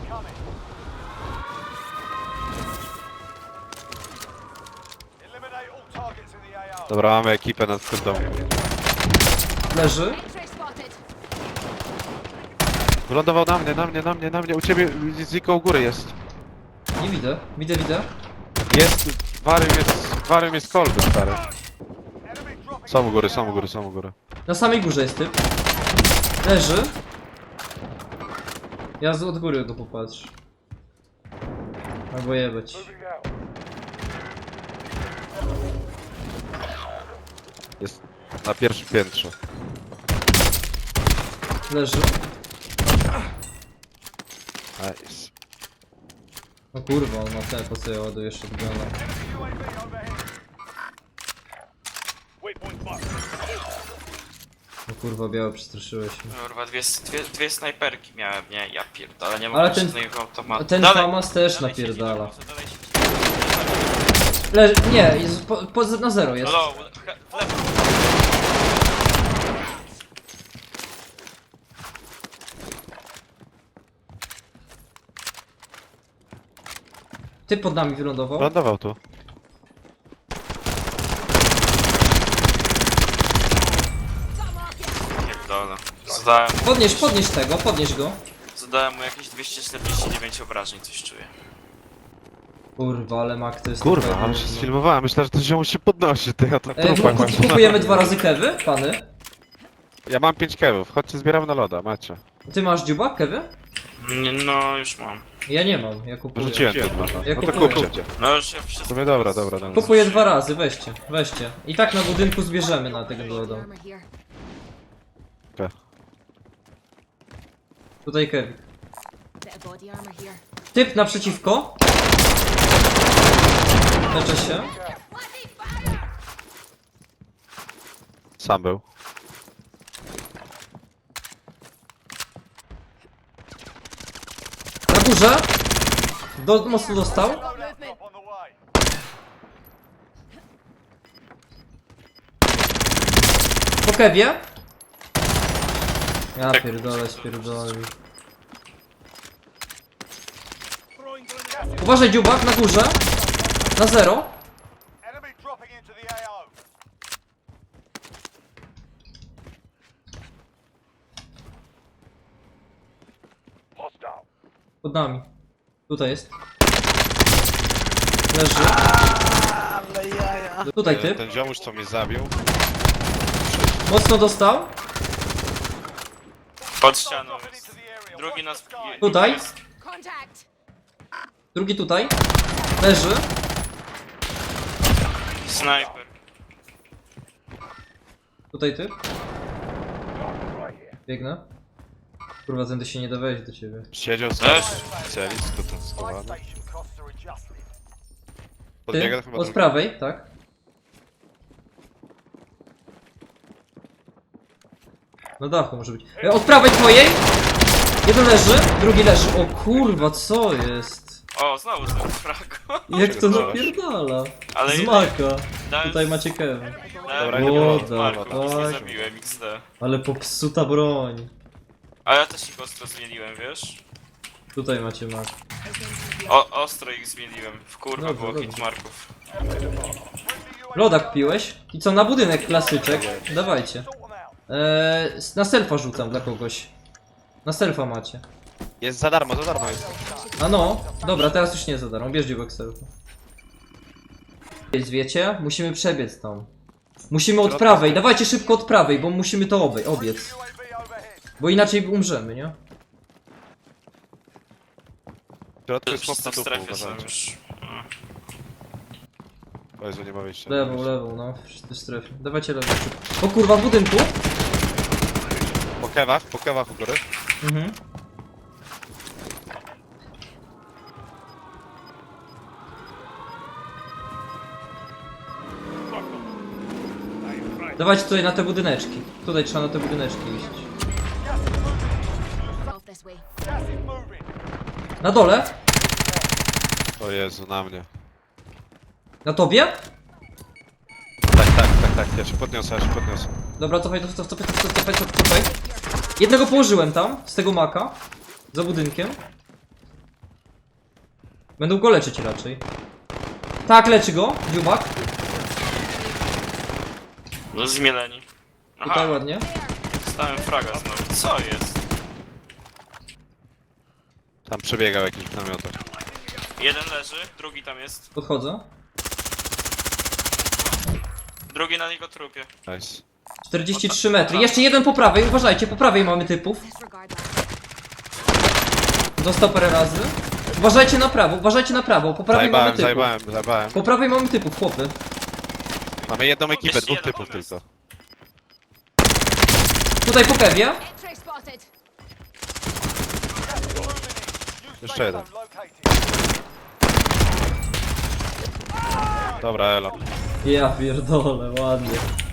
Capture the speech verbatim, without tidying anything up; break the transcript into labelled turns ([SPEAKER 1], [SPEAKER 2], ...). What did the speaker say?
[SPEAKER 1] Dobra, mamy ekipę nad tym domu.
[SPEAKER 2] Leży.
[SPEAKER 1] Wylądował na mnie, na mnie, na mnie, na mnie. U ciebie Ziko u góry jest.
[SPEAKER 2] Nie widzę. Widzę, widzę.
[SPEAKER 1] Jest, Warium jest, Warium jest kolby, stary. Są u góry, są u góry, są u góry.
[SPEAKER 2] Na samej górze jest typ. Leży. Ja z od góry go popatrzę. Albo jebać.
[SPEAKER 1] Jest na pierwszym piętrze.
[SPEAKER 2] Leży.
[SPEAKER 1] Nice.
[SPEAKER 2] O kurwa, on ma ten, po co ja ładuję shotguna. O kurwa, białe przestraszyłeś mnie.
[SPEAKER 3] Kurwa, dwie, dwie, dwie snajperki miałem, nie? Ja pierdolę, nie mogę
[SPEAKER 2] Ale ten-
[SPEAKER 3] żadnego automatu.
[SPEAKER 2] Ten
[SPEAKER 3] Dalej,
[SPEAKER 2] Famas też
[SPEAKER 3] dalej siedzi,
[SPEAKER 2] napierdala.
[SPEAKER 3] może dalej siedzi.
[SPEAKER 2] Leży, nie, jest po, po, na zero jest.
[SPEAKER 3] Low, he- w lewo.
[SPEAKER 2] Ty pod nami wylądował.
[SPEAKER 1] Lądował tu.
[SPEAKER 3] Pierdolę. Zadałem,
[SPEAKER 2] Podnieś, podnieś tego, podnieś go.
[SPEAKER 3] zadałem mu jakieś dwieście czterdzieści dziewięć obrażeń, coś czuję.
[SPEAKER 2] Kurwa, ale mak to jest...
[SPEAKER 1] Kurwa,
[SPEAKER 2] taka
[SPEAKER 1] ale się
[SPEAKER 2] gówno.
[SPEAKER 1] sfilmowałem. Myślę, że to się musi podnosić. Ty, ja to
[SPEAKER 2] E,
[SPEAKER 1] trupa
[SPEAKER 2] kup-
[SPEAKER 1] kończę.
[SPEAKER 2] kupujemy dwa razy kewy, pany.
[SPEAKER 1] Ja mam pięć kewów. Chodźcie, zbieramy na loda, macie.
[SPEAKER 2] Ty masz dziuba, kewy?
[SPEAKER 3] Nie, no, już mam.
[SPEAKER 2] Ja nie mam, ja kupuję.
[SPEAKER 1] Rzuciłem tu dwa.
[SPEAKER 2] Ja
[SPEAKER 1] No to
[SPEAKER 2] kupuję.
[SPEAKER 1] kupcie.
[SPEAKER 3] No już ja wszystko...
[SPEAKER 1] Sobie dobra, dobra, dobra.
[SPEAKER 2] Kupuję dwa razy, weźcie, weźcie. I tak na budynku zbierzemy na tego loda.
[SPEAKER 1] Okay.
[SPEAKER 2] Tutaj Kevin. Typ naprzeciwko. Leczę się.
[SPEAKER 1] Sam był.
[SPEAKER 2] Na górze. Do, mocno dostał. Po kewie. Ja
[SPEAKER 3] Tak.
[SPEAKER 2] pierdolę, spierdolę. Uważaj dziubak, na górze. Na zero. Pod nami. Tutaj jest. Leży. Tutaj typ.
[SPEAKER 1] Ten ziomuś, co mnie zabił.
[SPEAKER 2] Mocno dostał.
[SPEAKER 3] Pod ścianą jest. Drugi nas...
[SPEAKER 2] Tutaj.
[SPEAKER 3] jest.
[SPEAKER 2] Drugi tutaj. Leży.
[SPEAKER 3] Snajper.
[SPEAKER 2] Tutaj typ. Biegnę. Kurwa, tędy się nie da wejść do ciebie.
[SPEAKER 1] Siedział z
[SPEAKER 3] Też.
[SPEAKER 1] specjalist, tu schowany.
[SPEAKER 2] Ty?
[SPEAKER 1] Podbiega chyba
[SPEAKER 2] Od
[SPEAKER 1] drugi.
[SPEAKER 2] prawej, tak? Na dachu może być. E, Od prawej twojej! Jeden leży, drugi leży. O kurwa, co jest?
[SPEAKER 3] O, znowu ten frag.
[SPEAKER 2] Jak to
[SPEAKER 1] Pierdolasz.
[SPEAKER 2] napierdala?
[SPEAKER 3] Ale
[SPEAKER 2] Z maka.
[SPEAKER 3] dałem-
[SPEAKER 2] Tutaj macie Kevin.
[SPEAKER 1] Dobra,
[SPEAKER 3] dałem
[SPEAKER 1] nie było.
[SPEAKER 2] Woda,
[SPEAKER 3] Marko, nic nie
[SPEAKER 2] tak.
[SPEAKER 3] zabiłem, X D.
[SPEAKER 2] Ale popsuta broń.
[SPEAKER 3] A ja też ich ostro zmieniłem, wiesz?
[SPEAKER 2] Tutaj macie mak.
[SPEAKER 3] O, ostro ich zmieniłem. W kurwa
[SPEAKER 2] Dobrze,
[SPEAKER 3] było
[SPEAKER 2] dobrze.
[SPEAKER 3] hitmarków.
[SPEAKER 2] Lodak piłeś? I co, na budynek klasyczek? Dawajcie. Eee, na selfa rzucam dla kogoś. Na selfa macie.
[SPEAKER 1] Jest za darmo, za darmo jest.
[SPEAKER 2] A no, dobra, teraz już nie za darmo, bierz dziubek selfa. Jest, wiecie? Musimy przebiec tam. Musimy od prawej, dawajcie szybko od prawej, bo musimy to obej, obiec. Bo inaczej umrzemy, nie?
[SPEAKER 1] W środku jest
[SPEAKER 3] Wszyscy
[SPEAKER 1] chłop
[SPEAKER 3] w
[SPEAKER 1] na dupę,
[SPEAKER 3] strefie są
[SPEAKER 1] uważajcie.
[SPEAKER 3] już.
[SPEAKER 1] O Jezu, nie ma wyjścia.
[SPEAKER 2] Lewą, lewą, no, wszyscy w strefie. Dawajcie lewą szybko. O kurwa, w budynku!
[SPEAKER 1] Po kewach, po kewach u góry.
[SPEAKER 2] Mhm. Dawajcie tutaj na te budyneczki. Tutaj trzeba na te budyneczki iść. Na dole?
[SPEAKER 1] O Jezu, na mnie.
[SPEAKER 2] Na tobie?
[SPEAKER 1] Tak, tak, tak, tak, ja się podniosę, ja się podniosę.
[SPEAKER 2] Dobra, cofaj, cofaj, cofaj, cofaj, cofaj, cofaj, cofaj. Jednego położyłem tam, z tego maka. Za budynkiem. Będą go leczyć raczej. Tak, leczy go, dziubak.
[SPEAKER 3] No zmieleni. Aha,
[SPEAKER 2] Tutaj ładnie.
[SPEAKER 3] stałem fraga znowu. Co jest?
[SPEAKER 1] Tam przebiegał jakiś w namiotach.
[SPEAKER 3] Jeden leży, drugi tam jest.
[SPEAKER 2] Podchodzę.
[SPEAKER 3] Drugi na niego trupie.
[SPEAKER 1] Nice.
[SPEAKER 2] czterdzieści trzy metry. Jeszcze jeden po prawej, uważajcie, po prawej mamy typów.
[SPEAKER 4] Disregard that.
[SPEAKER 2] Dostał parę razy. Uważajcie na prawo, uważajcie na prawo. Po prawej mamy
[SPEAKER 1] Zajebałem,
[SPEAKER 2] typów.
[SPEAKER 1] zajebałem, zajebałem.
[SPEAKER 2] Po prawej mamy typów, chłopy.
[SPEAKER 1] Mamy jedną ekipę,
[SPEAKER 3] Jeszcze
[SPEAKER 1] dwóch
[SPEAKER 3] jeden
[SPEAKER 1] typów
[SPEAKER 3] tam jest.
[SPEAKER 1] tylko.
[SPEAKER 2] Tutaj po kewie.
[SPEAKER 4] X-ray spotted.
[SPEAKER 1] Jeszcze jeden. Dobra, elo.
[SPEAKER 2] Ja pierdolę, ładnie.